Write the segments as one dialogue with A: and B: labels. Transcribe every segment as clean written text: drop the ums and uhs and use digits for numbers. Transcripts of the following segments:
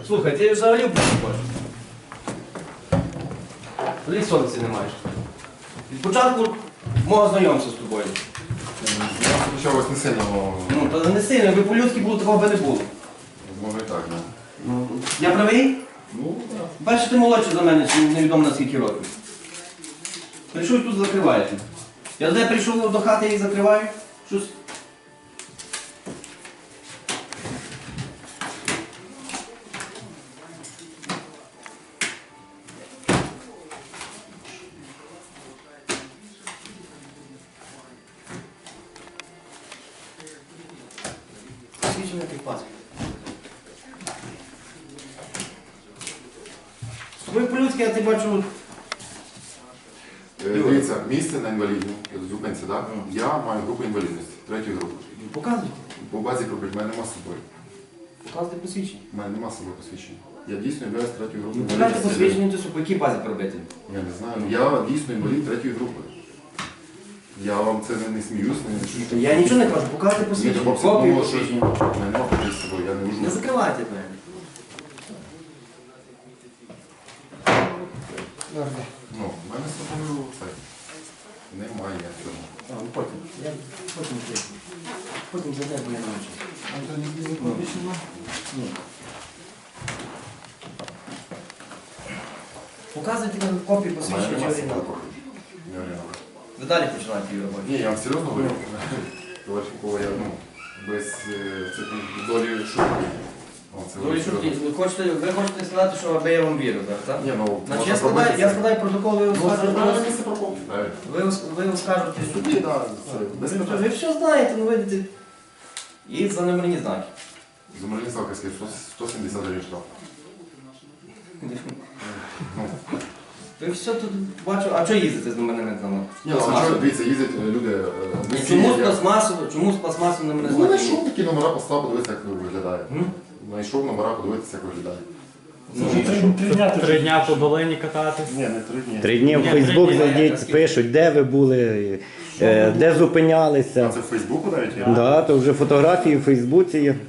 A: Слухай, ти взагалі в хочеш. Взагалі совісті не маєш. Від початку мого знайомства з тобою.
B: Я почалось не сильно,
A: Ну, то не сильно, якби по-людськи було, такого би не було.
B: може і так, не?
A: Ну, я правий?
B: Ну, так.
A: Перше, ти молодший за мене, чи невідомо на скільки років. Прийшов і тут закриваєте. Я туди прийшов до хати і закриваю. Щось. Свідчення тих паспорт. З тобою по-людськи, я ти бачу.
B: Дивіться, місце на інвалідному, зупинці, так? Я маю групу інвалідності, третьої групи.
A: Показуйте.
B: По базі групи в мене нема з собою.
A: Показуйте посвідчення.
B: У мене нема з собою посвідчення. Я дійсно інвалід третьої групи
A: Ну, давайте
B: інвалідності.
A: посвідчення, то по якій базі пробити?
B: Я не знаю, ну я дійсно інвалід третьої групи. Я вам це не сміюсь, не шучу.
A: Я нічого не кажу, показуйте
B: Ні,
A: посвідчення.
B: хлопці,
A: Копію
B: думали, що
A: посвідчення.
B: в мене нема копії з собою, я не
A: Не
B: можу.
A: закривайте мене.
B: Ну, в мене з собою це немає цього.
A: А, ну потім. Я потім прийду. Потім зайде, бо я не хочу. Ні. Показуйте нам копію
B: В мене
A: посвідчення чи
B: нема з собою
A: оригінал.
B: копії. Не оригінал.
A: Ви далі починаєте її роботу.
B: Ні, я вам серйозно говорю. Товаришенкова, я без долі шутки.
A: Ви хочете сказати, що аби я вам вірив, так?
B: Ні, ну,
A: Значить,
B: можна
A: я складаю протокол, ви оскаржуєте.
B: місце парковки.
A: Ви оскаржуєте в суді.
B: Тоді, так, без
A: Ви
B: питань.
A: все знаєте, ну видите. І за номерні знаки.
B: Зумерні Савківський, 170 гривень штраф.
A: Ви все тут бачу. А чого їздите з номерними знаками?
B: Ні, ну, а що, дивіться, їздять люди без
A: Чому з
B: сім'ї.
A: пластмасовим номерним
B: Ну,
A: знаком?
B: знайшов такі номера, поставив, подивитися, як виглядає.
A: М?
B: Знайшов номера, подивитися, як виглядає.
C: Три дня по долині кататись.
B: Ні, не 3 дні.
D: 3 дні в
C: Ні,
D: Фейсбук
C: 3 дні,
D: зайдіть, пишуть, де ви були, де
B: А
D: зупинялися.
B: це в Фейсбуку навіть є?
D: Да, то вже фотографії в Фейсбуці є.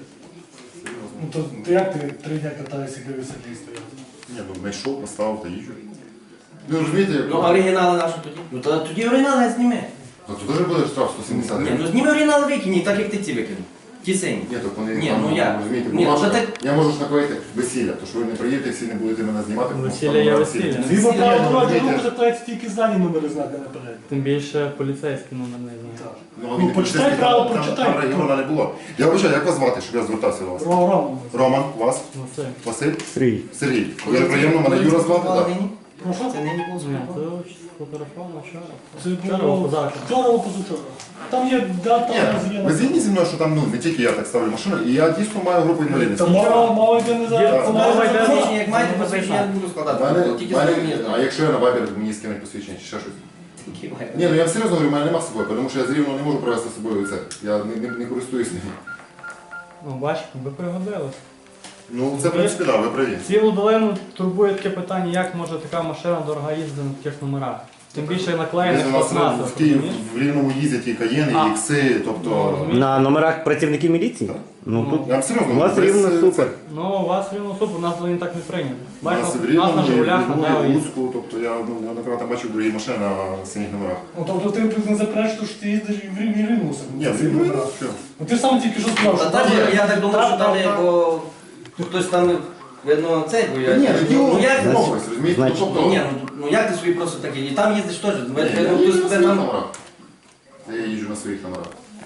E: Ну то як ти 3 дня катаєшся, дивишся, де стояти?
B: Ні, ну знайшов, поставив та їжджу. Ну розумієте, як...
A: Ну, а оригінали наші тоді? Ну, тоді оригінали зніми.
B: Ну, то теж буде штраф 170
A: Ні,
B: гривень.
A: ну зніми оригінали викинь, так як ти ці викинув. Ті сині.
B: Ні, то вони
A: Ні,
B: там,
A: ну як?
B: розумієте,
A: Ні,
B: бумажка.
A: ну, так-
B: Я можу ж наклеїти весілля, то що ви не приїдете, всі не будете мене знімати. тому
C: Весілля
B: що
C: є
B: там
C: весілля.
E: Згідно
B: Ні,
E: правил
B: ну,
E: дорожнього
B: розумієте.
E: руху заплатять тільки здані номери знака наперед.
C: Тим більше поліцейський номер не знає.
E: Так.
B: Ну,
E: Ну,
B: він не
E: почитай
B: поліцейський,
E: право,
B: там
E: прочитай.
B: регіону не було. Я вибачаю, як вас звати, щоб я звертався до вас?
E: Роман.
B: Роман, вас?
C: Василь.
B: Василь?
D: Сергій.
B: Сергій. Дуже приємно, мене Юра звати, так.
E: Прошу?
A: Це не було
C: Ні, це сфотографовано вчора.
E: Це
C: Вчора
E: було
C: позавчора.
E: вчора або позавчора. Там є дата,
B: Ні, ви згідні зі мною, що там не тільки я так ставлю машину, і я дійсно маю групу інвалідності.
E: Та мова йде не за...
C: Є,
E: це
C: мова йде за-
A: Посвідчення, як маєте посвідчення, я не буду складати. Тільки з номерні
B: А
A: знаки.
B: якщо я на вайбер мені скинуть посвідчення чи ще щось?
A: Які маєте?
B: Ні, ну я серйозно говорю, в мене нема з собою, тому що я з Рівного не можу привезти з собою це. Я не користуюсь ним.
C: Ну, бачите, ви пригодились.
B: Ну це в принципі так, ви праві.
C: Цілу долину турбує таке питання, як може така машина дорога їздити на таких номерах. Тим більше наклеєних
B: У нас
C: пластмасових,
B: в Києві
C: розумієш?
B: в Рівному їздять і каєни,
C: А.
B: і ікси, тобто...
D: На номерах працівників міліції?
B: Так.
D: Ну тут
B: Я вам серйозно
D: у вас
B: говорю,
D: рівно
B: без,
D: супер.
C: Ну, у вас рівно супер, у нас долині так не прийнято.
B: У нас
C: Бачите,
B: в
C: у нас
B: Рівному,
C: на
B: і в
C: Жигулях, на
B: Львові, і в
C: Деві.
B: Луцьку, тобто я неоднократно бачив другі машини на синіх номерах.
E: Ну, тобто ти не заперечиш, що ти їздиш і в Рівні Рівнуся.
B: Ні, в Рівному, що?
E: Ну ти сам тільки що сказав,
A: Та
E: що
A: там,
E: там є-
A: я так думаю, що там є,
E: так.
A: бо хтось там, видно, цей, бо я...
B: Ні, ну
A: Ну як?
B: домовились, розумієте? Ну,
D: Значить,
B: тобто...
A: Ні, ну як ти собі просто такий? І там їздиш теж,
B: Ні,
A: видно,
B: я
A: хтось
B: їжджу на
A: тебе
B: своїх
A: там...
B: номерах. Я їжджу на своїх номерах.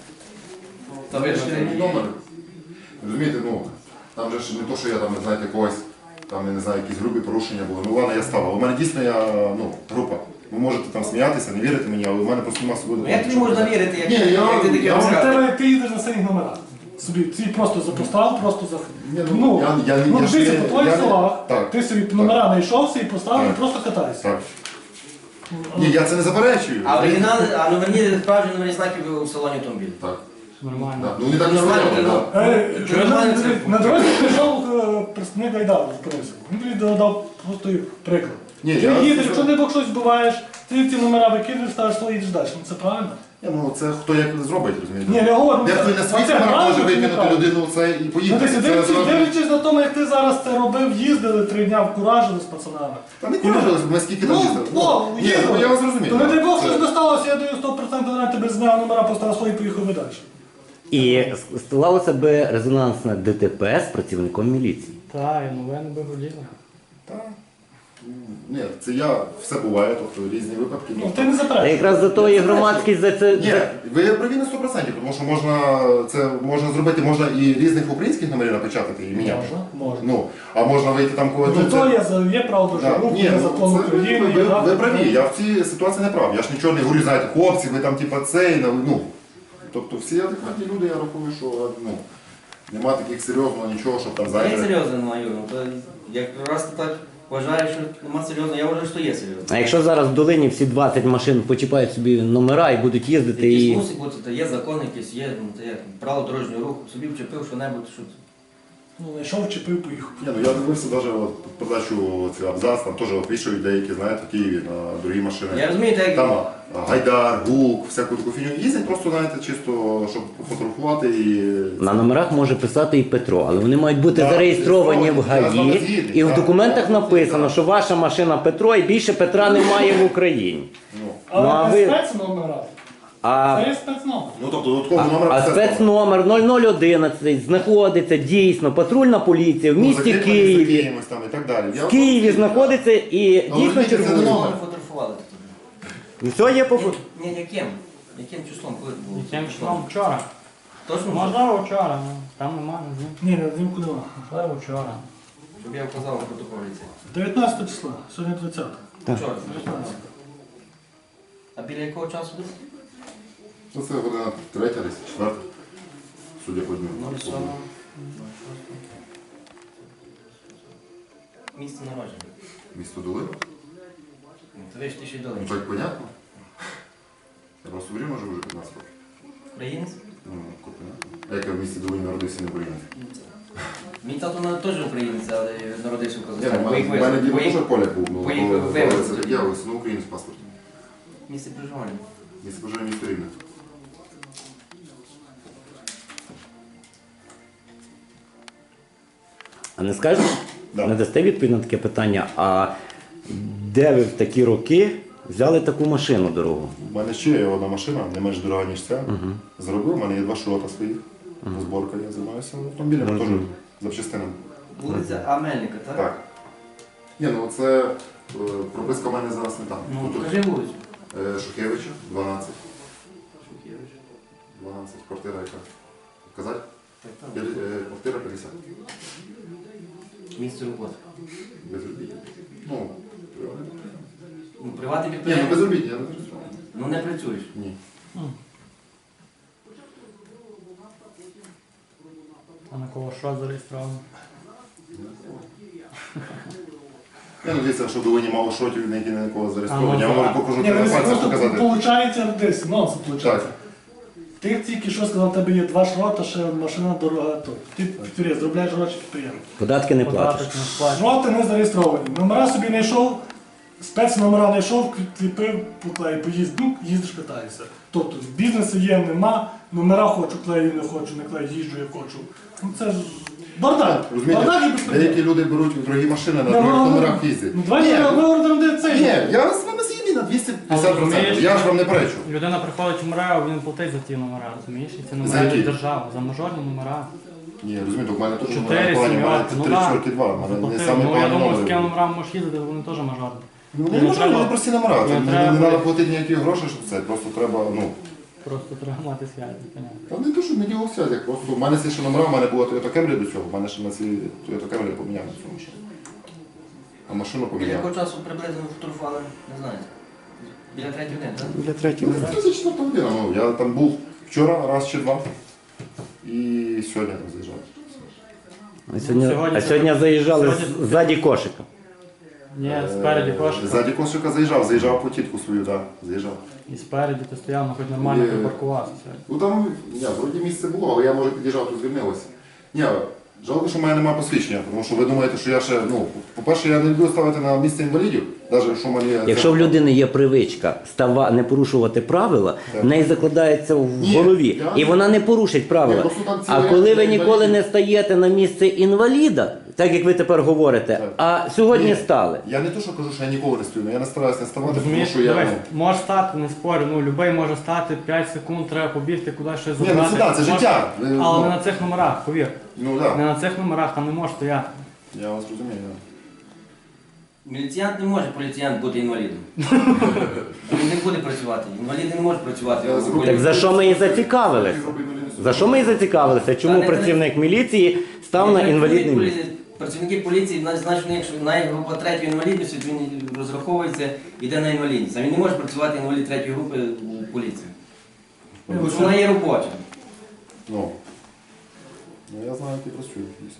A: Та
B: Там
A: видно,
B: ж
A: ти-
B: не номер. Розумієте, ну, там же ж не то, що я там, знаєте, когось, там, я не знаю, якісь грубі порушення були. Ну ладно, я ставив. У мене дійсно група. Ви можете там сміятися, не вірити мені, але у мене просто нема з собою
A: Ну як тобі можна
B: документів.
A: вірити, як
B: Ні,
A: як ти таке
B: я-
E: А в
A: розказуєш?
E: тебе ти їдеш на синіх номерах. Собі ти просто запостав, просто за...
B: Ні, ну, я ж
E: дивіться,
B: не-
E: по твоїх
B: я не-
E: словах,
B: так,
E: ти собі номера знайшовся і поставив,
B: Так.
E: і просто катайся.
B: Так. Ні, я це не заперечую.
A: А оригінали, а номерні, справжні номерні знаки у салоні автомобіля.
B: Так.
C: Нормально.
B: Так. Ну не так
A: Нормально,
B: нормально,
A: ну.
B: так.
A: Чого нормально це?
E: На дорозі прийшов представник Айдару, зупинився. Він тобі дав просто приклад.
B: Ні,
E: Ти
B: я-
E: їдеш, якщо не бок щось збиваєш, ти ці номера викидаєш, ставиш свої, їдеш далі. Ну це правильно?
B: Ну це хто як зробить, розумієте?
E: Ні, я говорю,
B: Дехто і на своїх номерах може викинути людину це і
E: Ну,
B: поїхати.
E: ти
B: Це
E: дивлячись,
B: зразу-
E: дивлячись на тому, як ти зараз це робив, їздили 3 дня вкуражили з пацанами.
B: Та не куражились, ми скільки там їздили. Ні, ну, я вас розумію.
E: То не дай Бог
B: Це-
E: щось досталося, я даю 100% гарантію, тебе зняв номера, поставив свої і поїхав далі.
D: І сталося би резонансне ДТП з працівником міліції.
C: Так, і новини би гуділи.
B: Та. Ні, це все буває, тобто різні випадки.
E: Ну, ти не
D: Та
E: заперечуєш.
D: якраз за то і громадськість за це.
B: Ні, ви праві на 100%, тому що можна зробити, можна і різних українських номерів напечатати і міняти.
E: Можна.
B: Ну, а можна вийти там когось.
E: Ну, то є право
B: Да.
E: дорожнього руху,
B: Ні,
E: є
B: ну,
E: закон
B: це
E: України.
B: ви праві, я в цій ситуації не прав. Я ж нічого не говорю, знаєте, хлопці, ви там типа цей, ну. Тобто всі адекватні люди, я рахую, що нема таких серйозного нічого, щоб там,
A: Є
B: знаєте.
A: серйозно, ну, Юр, то якраз ти так вважаєш, що нема серйозно, я вважаю, що є серйозно.
D: А якщо зараз в долині всі 20 машин почіпають собі номера і будуть їздити
A: Якісь
D: і.
A: мусить бути, то є закон якийсь, є то як, право дорожнього руху, собі вчепив що-небудь, що
E: Ну, знайшов, вчепив, поїхав.
B: Ні, ну я дивився навіть передачу цей абзац, там теж вішають деякі, знаєте, в Києві на дорогі машини.
A: Я розумію, так як
B: Там Гайдар, Гук, всяку таку фігню. Їздять просто, знаєте, чисто, щоб фотографувати і.
D: На номерах може писати і Петро, але вони мають бути
B: Так,
D: зареєстровані в
B: я з вами
D: ГАІ,
B: згідний,
D: і в
B: так.
D: документах написано, що ваша машина Петро і більше Петра немає в Україні.
B: Ну,
D: Ну, а
E: Але
D: ви-
E: не спецномера.
D: А,
E: Це є спецномер.
B: ну тобто додатковий номер.
D: а
B: це
D: спецномер 0011 знаходиться дійсно патрульна поліція в місті
B: закріплений за
D: Києві.
B: кимось там і так далі.
D: В Києві знаходиться і
B: Але
D: дійсно
B: розумієте, це не
D: червоний.
B: номер.
A: ми фотографували тут.
D: Все є по
A: Ні, яким? Яким числом? Коли було?
C: Яким числом вчора?
A: Точно?
C: Можливо, вчора, ну, там немає, не знаю.
E: Ні, не знімку нема.
C: Можливо, вчора.
A: Щоб я вказав на протоколі це.
E: 19 числа, сьогодні 20.
A: Вчора.
E: 19.
A: А біля якого часу десь?
B: Ну це година третя, десь четверта. Судя по дню.
A: 07. Місце народження.
B: Місто Долина.
A: Ну, то ви ж ти ще й
B: Ну
A: долинь.
B: так понятно. Я просто в Рівно живу вже 15 років.
A: Українець?
B: Ну, понятно. А як я в місті Долині народився, не українець.
A: Мій тато теж українець, але народився в
B: Ні,
A: Казахстані.
B: у мене дід теж поляк був, ну,
A: поїхав
B: але
A: вивезти.
B: це так я ось, ну, українець в паспорті.
A: Місце проживання.
B: Місце проживання місто Рівне.
D: А не скажете?
B: Да.
D: Не дасте відповідь на таке питання, а де ви в такі роки взяли таку машину дорогу?
B: У мене ще є одна машина, не менш дорога, ніж ця. Зробив, у мене є 2 шрота своїх. Зборка, я займаюся автомобілями, теж запчастинами.
A: Вулиця Амельника, так?
B: Так. Ні, ну це прописка в мене зараз не там.
A: Ну,
B: Тут,
A: покажи вулицю.
B: Шухевича, 12.
A: Шухевич.
B: 12, квартира яка? Казати?
A: Так, так.
B: Квартира 50.
A: Місце роботи.
B: Безробіття. Ну,
A: Ну, приватний
B: ні, ну
A: підприємець.
B: безробіття, я не працюю.
A: Ну не працюєш.
B: Ні.
C: А на кого що зареєстровано?
B: Я надіюся, що в Долині мало шотів, на які на кого
C: А,
B: зареєстровані.
C: ну,
B: Я можу
C: так.
B: покажу
E: Ні,
B: на
E: ви
B: пальцях
E: просто
B: показати.
E: получається десь, нонсенс получається.
B: Так.
E: Ти тільки що сказав, у тебе є 2 шрота, ще машина дорога. То. Ти підприємець, зробляєш гроші підприємець.
D: Податки не платиш.
C: Податок не сплачує.
E: Шроти не зареєстровані. Номера собі не йшов, спецномера не йшов, кліпив, поклеїв, поїзд, ну, їздиш, катаєшся. Тобто бізнесу є, нема, номера хочу, клею, не хочу, не клею, їжджу, я хочу. Ну це ж бардак.
B: Розумієте,
E: Бардак і безпреділ.
B: деякі люди беруть дорогі машини на дорогих номерах їздять.
E: Ну давайте ми говоримо, де це
B: Ні,
E: є.
B: я з вами згідний на 250%.
C: розумієш,
B: Я ж вам не перечу.
C: Людина приходить в МРЕО, він платить за ті номера, розумієш? І ці
B: За
C: номера
B: які?
C: йдуть держава, за мажорні номера.
B: Ні, розумієте, у мене теж
C: 4,
B: у мене
C: 7,
B: 3 чорки 2, у мене не
C: Ну
B: саме
C: я
B: поганий
C: думаю, з такими
B: номер.
C: номерами можеш їздити, вони теж мажорні.
B: Ну
C: Не
B: не можна,
C: треба.
B: вони прості номера,
C: Не
B: не
C: треба.
B: треба платити ніякі гроші, щоб це, просто треба, ну,
C: Просто треба мати зв'язок, понятно.
B: та не то, що не діло все, як просто, у мене ще номера, у мене була Toyota Camry до цього, у мене ще на цій Toyota Camry поміняв на цю машину. А машину
A: Біля
B: поміняв.
A: якого часу приблизно фотографували, не знаю. Біля 3 години, так?
D: Для третій.
B: Ну, це 4 година, ну, я там був вчора, раз чи два, і сьогодні там заїжджав.
C: Сьогодні-
D: А сьогодні заїжджали
C: Сьогодні-
D: ззаді кошика.
C: Ні, спереді кошика.
B: Ззаді кошика заїжджав по тітку свою, так, заїжджав.
C: І спереді ти стояв, ну хоч нормально
B: Є.
C: припаркувався сьогодні.
B: Ну там, ні, вроді місце було, але я, може, під'їжджав, тут звільнилося. Ні, Жалко, що в мене немає посвідчення, тому що ви думаєте, що я ще, ну, по-перше, я не люблю ставити на місце інвалідів, навіть якщо в мене є...
D: Якщо в людини є привичка не порушувати правила, в неї закладається в
B: Ні,
D: голові,
B: я-
D: і вона не порушить правила.
B: Ні, просто там
D: А
B: ці
D: коли ви
B: інваліди-
D: ніколи не стаєте на місце інваліда, так як ви тепер говорите,
B: Так.
D: а сьогодні
B: Ні,
D: стали.
B: Я не то, що кажу, що я ніколи не стою, але я не стараюся не ставати, тому
C: Розумієш,
B: що я...
C: дивись,
B: ну,
C: може стати, не спорю, ну любий може стати 5 секунд, треба побігти кудись щось
B: Ні,
C: забрати.
B: ну сюди, це
C: Може-
B: життя.
C: Але не на цих номерах, повір.
B: Ну
C: Не
B: так,
C: на цих номерах, там не може стояти.
B: я вас розумію. Да.
A: Міліціянт не може поліціянт бути інвалідом. Він не буде працювати. Інваліди не можуть працювати.
B: Я зроблю-
D: Так за що ми і зацікавилися? За що ми і зацікавилися? Чому працівник міліції став на інвалідне місце?
A: Працівники поліції, значить, якщо навіть група 3 інвалідності, то він розраховується, йде на інвалідність. А він не може працювати інвалід 3 групи у поліції. Тому що вона є робоча.
B: Ну, я знаю, як я працюю, дійсно.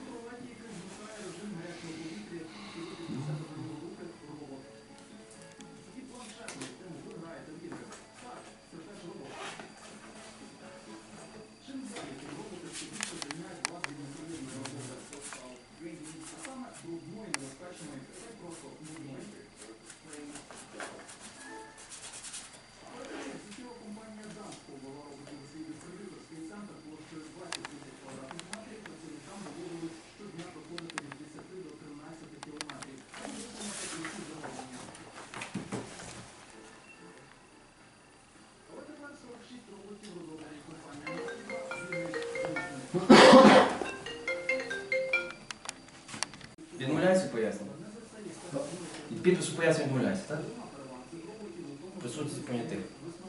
A: Відмовляється пояснення? Від підпису пояснення відмовляється, так? Присутність понятих.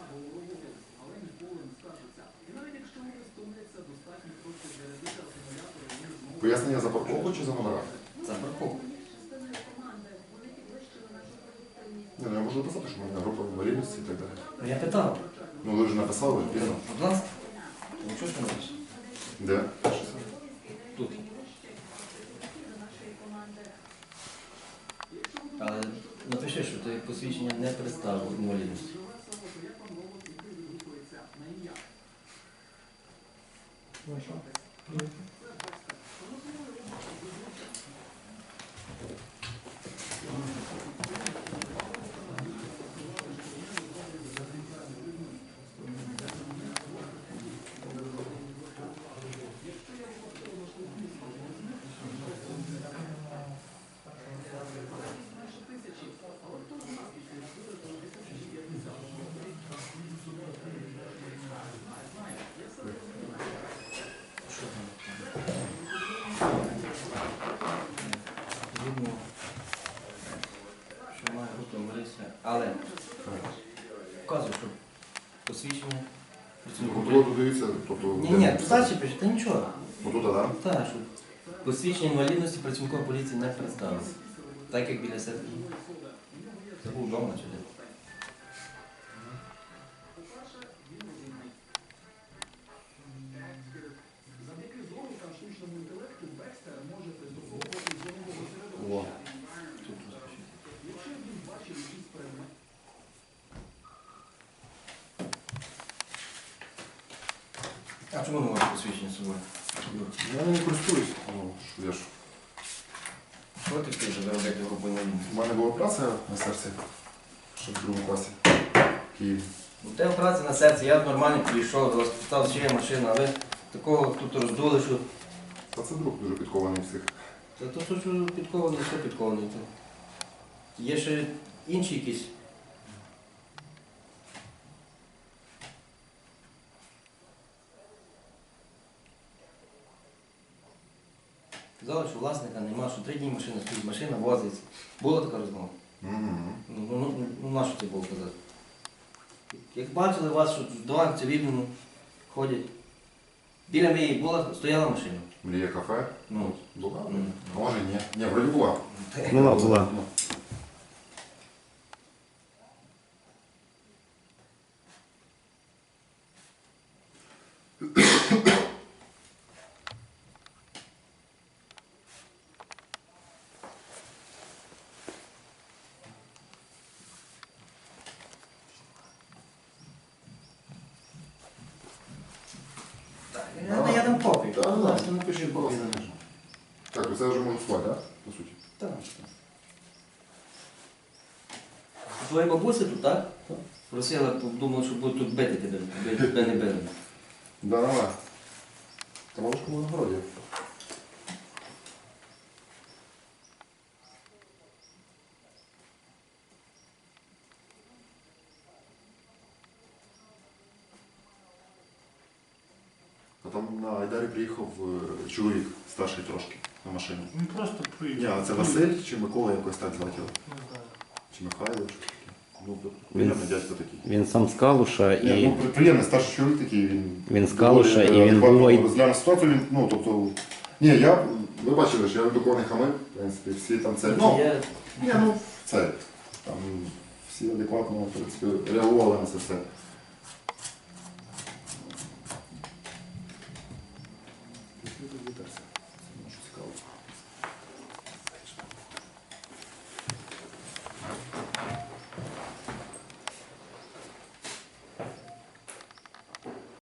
B: Пояснення за парковку чи за номера?
A: За парковку.
B: Ні, ну я можу написати, що в мене група інвалідності і так далі.
A: Ну я питав.
B: Ну ви ж написали, вірно.
A: Будь ласка. Ну чого ж ти напишеш?
B: Де?
A: Тут. Але напиши, що ти посвідчення не представив інвалідності. Видно, що має група інвалідності, але вказую, що посвідчення.
B: Ну, тут дивіться, тобто...
A: Ні, старші пише, та нічого.
B: Отут, так?
A: Так, що посвідчення інвалідності працівником поліції не представилося. Так як біля себе. Це був вдома чи де.
B: О.
A: Тут розпишіть. А чому не можеш посвідчення з собою?
B: Я не користуюсь. Ну, що я ж.
A: Що ти хочеш заробити групу інвалідності?
B: У мене була праця на серці, ще в другому класі. В Києві.
A: У тебе праця на серці, я нормально прийшов, до вас поставив ще є машина, а ви такого тут роздули, що
B: Та це друг дуже підкований всіх.
A: та то що підкований, все підкований. Є ще інші якісь. Казали, що власника нема, що 3 дні машина стоїть, машина возиться. Була така розмова? Ну, на що це було казати? Як бачили вас, що здаванці відміну ходять. Біля моєї стояла машина.
B: Мрія кафе?
A: Ну,
B: Була?
A: ну.
B: А може ні. Ні, вроді була.
D: Була.
B: Ну.
A: Я дам копію.
B: Так.
A: Будь ласка, не
B: пишіть, будь ласка. Так, це вже можу слати, так? По суті.
A: Так. Твоя бабуся тут, так? Просила, думала, що будуть тут бити тебе, тебе не били.
B: Да, давай. Та бабушка в городі. А там на Айдарі приїхав чоловік старший трошки на машині.
E: Він просто приїхав.
B: Ні, а це Василь чи Микола якось так звати його?
E: Не знаю.
B: Чи Михайло, що таке? Ну, приємний дядько такий.
D: Він сам з Калуша
B: Ні,
D: і
B: ну, приємний старший чоловік такий, він
D: Він з Калуша, і він
B: адекватно
D: був-
B: розглянув ситуацію, він, ну, тобто, ні, ви бачили, що я до не хамив, в принципі, всі там це, ну,
A: Я
B: ні, ну, це, там, всі адекватно, в принципі, реагували на це все.